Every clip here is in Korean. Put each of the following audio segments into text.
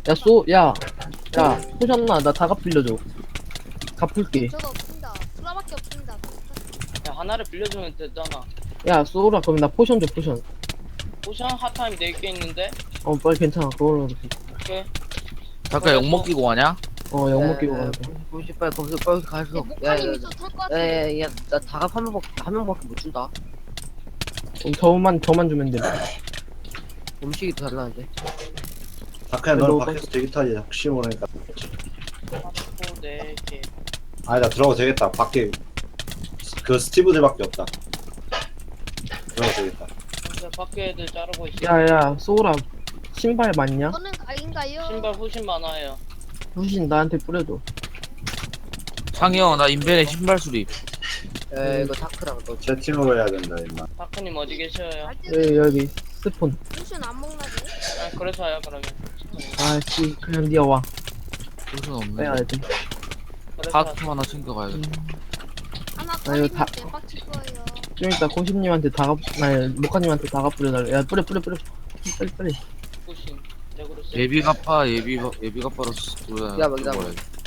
야, 포션나, 나 다갑 빌려줘. 갚을게. 저도 없습니다. 수라밖에 없습니다. 야, 하나를 빌려주면 되잖아. 야, 쏘라, 그럼 나 포션 줘, 포션. 포션 핫타임 4개 있는데? 빨리 괜찮아. 그걸로. 오케이. 잠깐 욕먹 끼고 가냐? 영목 끼고 가자. 빨리 거기서 가서. 목카님 있어 털것 같은데. 야야야 나 다갑 한 명밖에 못 준다. 그럼 저만 주면 돼. 음식이 더 달라는데. 다크야 너는 밖에서 대기타지 혹시 모르니까. 하고 4개. 아니다 들어가도 되겠다. 밖에 그 스티브들밖에 없다. 들어가도 되겠다. 근데 밖에 애들 자르고 있어. 야, 쏘라. 신발 맞냐? 저는 아닌가요? 신발 훨씬 많아요. 후신 나한테 뿌려줘. 상이 형, 나 인벤에 신발 수립. 야 이거 다크랑 너. 제 팀으로 해야 된다 임마. 다크님 어디 계셔요? 여기, 스폰. 무슨 안 먹나지? 아, 그래서요, 그러면. 아씨, 그냥 니가 와. 무슨 없네. 빼야지. 그래서 카트 하나 챙겨가야겠다. 하나 이거 걸리면 다- 대박칠 거예요. 좀 이따 고십님한테 모카님한테 다갑 뿌려달래. 야, 뿌려. 빨리. 포신. 내구로 세. 예비 갚아, 예비 갚아로 쓰고. 야, 맞다.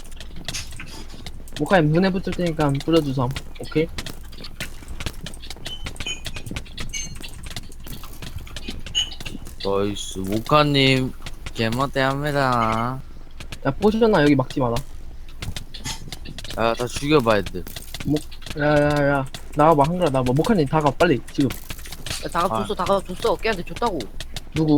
모카님 문에 붙을 테니까 뿌려주삼. 오케이? 나이스. 모카님, 개멋대합니다. 야, 포션나 여기 막지 마라. 야, 다 죽여봐야 돼. 야. 나와봐, 한글아, 나와봐. 모카님 다가, 빨리, 지금. 야 다갑 줬어. 걔한테 줬다고. 누구?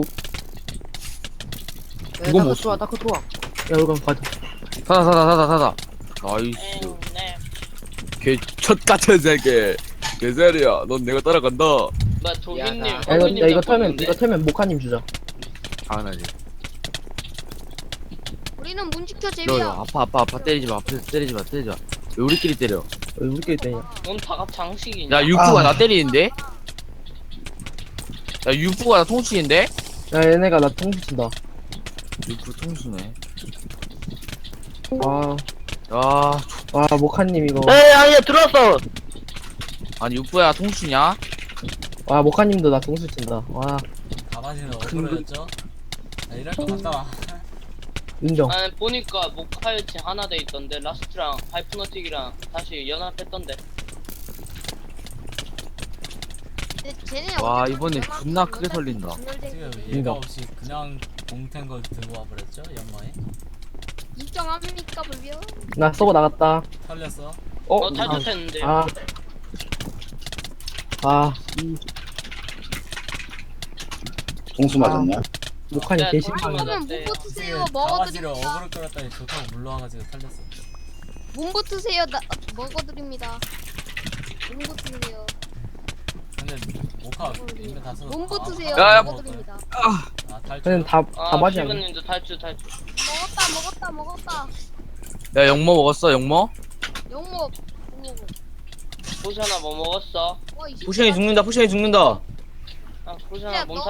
야, 이거 뭐 다크 좋아. 야, 여기 가자. 사다. 나이스. 네. 개첫 같은 새끼. 개새리야. 넌 내가 따라간다. 뭐, 도기님. 야, 이거 털면 모카님 주자. 당연하지. 우리는 문 지켜 너, 제비야. 아파. 때리지 마. 앞에서 때리지 마. 왜 우리끼리 때려? 왜 우리끼리 때냐? 넌 다갑 장식이냐? 야, 육부가 나 때리는데? 야, 육부가 나 통치인데? 야, 얘네가 나 통수 친다. 육부 통수네. 와, 야, 모카님 이거. 아니야 들어왔어. 아니, 육부야 통수냐? 와, 모카님도 나 통수 친다. 와, 가만히는 억울했죠? 야, 이럴 거 갔다 와. 인정. 아니, 보니까 모카이치 하나 돼 있던데, 라스트랑 하이프너틱이랑 다시 연합했던데. 쟤네 와, 어디 이번에 연합- 존나 크게 연합- 설린다. 연합- 지금 이거. 예가 없이 그냥 공텐 걸 들고 와버렸죠? 연마에? 입장합니까 불비요? 나 쏘고 나갔다. 털렸어? 탈출했는데. 동수 맞았냐? 모카님 야, 개신발. 맞아. 그러면 네. 문부 트세요. 강아지를 먹어드립니다. 어그로 끌었더니 좋다고 물러와가지고 털렸어. 문부 트세요. 먹어드립니다. 문부 트세요. 근데 모카 인벤 다 써서 문부 트세요. 야, 야, 먹어드립니다. 아 탈출? 그냥 다 맞이 않네. 시그님도 탈출. 먹었다. 야, 영모 먹었어, 영모? 영목. 포션아 뭐 먹었어? 와, 이 포션이 죽는다. 아, 포션아 야, 몸 너